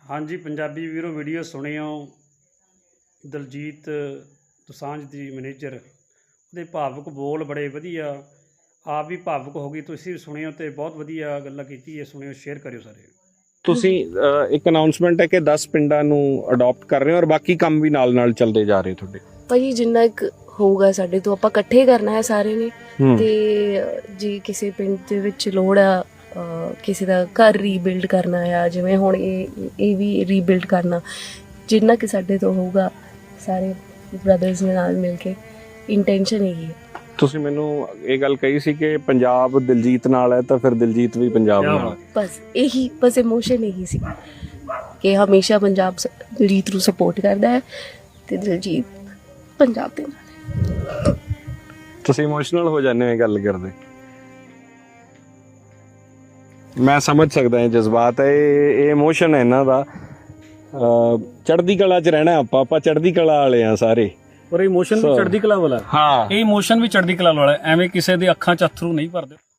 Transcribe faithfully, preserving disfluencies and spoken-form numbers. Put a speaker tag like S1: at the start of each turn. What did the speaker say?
S1: हाँ जी, पंजाबी वीरो वीडियो सुनियो दलजीत दोसांझ दी मैनेजर ਉਹਦੇ ਭਾਵੁਕ ਬੋਲ ਬੜੇ ਵਧੀਆ, ਆਪ ਵੀ ਭਾਵੁਕ ਹੋ ਗਈ। ਤੁਸੀਂ ਵੀ ਸੁਣਿਓ ਤੇ ਬਹੁਤ ਵਧੀਆ ਗੱਲਾਂ ਕੀਤੀ ਹੈ, ਸੁਣਿਓ, ਸ਼ੇਅਰ ਕਰਿਓ ਸਾਰੇ।
S2: ਤੁਸੀਂ ਅਹ, ਇੱਕ ਅਨਾਉਂਸਮੈਂਟ ਹੈ ਕਿ ਦਸ ਪਿੰਡਾਂ ਨੂੰ ਅਡਾਪਟ ਕਰ ਰਹੇ ਹੋ ਔਰ ਬਾਕੀ ਕੰਮ ਵੀ ਨਾਲ ਨਾਲ ਚੱਲਦੇ ਜਾ ਰਹੇ ਤੁਹਾਡੇ।
S3: ਭਾਜੀ ਜਿੰਨਾ ਕੁ ਹੋਊਗਾ ਸਾਡੇ ਤੋਂ ਆਪਾਂ ਇਕੱਠੇ ਕਰਨਾ ਹੈ ਸਾਰੇ ਨੇ। ਤੇ ਜੇ ਕਿਸੇ ਪਿੰਡ ਦੇ ਵਿੱਚ ਲੋੜ ਆ ਕਿਸੇ ਦਾ ਘਰ ਰੀਬਿਲਡ ਕਰਨਾ ਆ, ਜਿਵੇਂ ਹੁਣ ਇਹ ਇਹ ਵੀ ਰੀਬਿਲਡ ਕਰਨਾ, ਜਿੰਨਾ ਕਿ ਸਾਡੇ ਤੋਂ ਹੋਊਗਾ ਸਾਰੇ ਬ੍ਰਦਰਸ ਦੇ ਨਾਲ ਮਿਲ ਕੇ ਇੰਟੈਂਸ਼ਨ ਹੈਗੀ ਹੈ।
S2: ਤੁਸੀਂ ਮੈਨੂੰ ਇਹ ਗੱਲ ਕਹੀ ਸੀ ਕਿ ਪੰਜਾਬ ਦਿਲਜੀਤ ਨਾਲ ਹੈ ਤਾਂ ਫਿਰ ਦਿਲਜੀਤ ਵੀ ਪੰਜਾਬ ਨਾਲ।
S3: ਬਸ ਇਹੀ ਬਸ ਇਮੋਸ਼ਨ ਇਹੀ ਸੀ ਕਿ ਹਮੇਸ਼ਾ ਪੰਜਾਬ ਦਿਲਜੀਤ ਨੂੰ ਸਪੋਰਟ ਕਰਦਾ ਹੈ ਤੇ ਦਿਲਜੀਤ ਪੰਜਾਬ ਦੇ ਨਾਲ।
S2: ਤੁਸੀਂ ਇਮੋਸ਼ਨਲ ਹੋ ਜਾਂਦੇ ਹੋ ਇਹ ਗੱਲ ਕਰਦੇ। ਮੈਂ ਸਮਝ ਸਕਦਾ ਇਹ ਜਜ਼ਬਾਤ ਹੈ, ਇਹ ਇਮੋਸ਼ਨ ਹੈ ਇਹਨਾਂ ਦਾ। ਚੜ੍ਹਦੀ ਕਲਾ 'ਚ ਰਹਿਣਾ ਆਪਾਂ ਆਪਾਂ ਚੜ੍ਹਦੀ ਕਲਾ ਵਾਲੇ ਆ ਸਾਰੇ।
S4: ਪਰ ਇਮੋਸ਼ਨ ਵੀ ਚੜ੍ਹਦੀ ਕਲਾ ਵਾਲਾ।
S2: ਹਾਂ,
S4: ਇਹ ਇਮੋਸ਼ਨ ਵੀ ਚੜ੍ਹਦੀ ਕਲਾ ਵਾਲਾ, ਐਵੇਂ ਕਿਸੇ ਦੇ ਅੱਖਾਂ 'ਚ ਅਥਰੂ ਨਹੀਂ ਭਰਦੇ।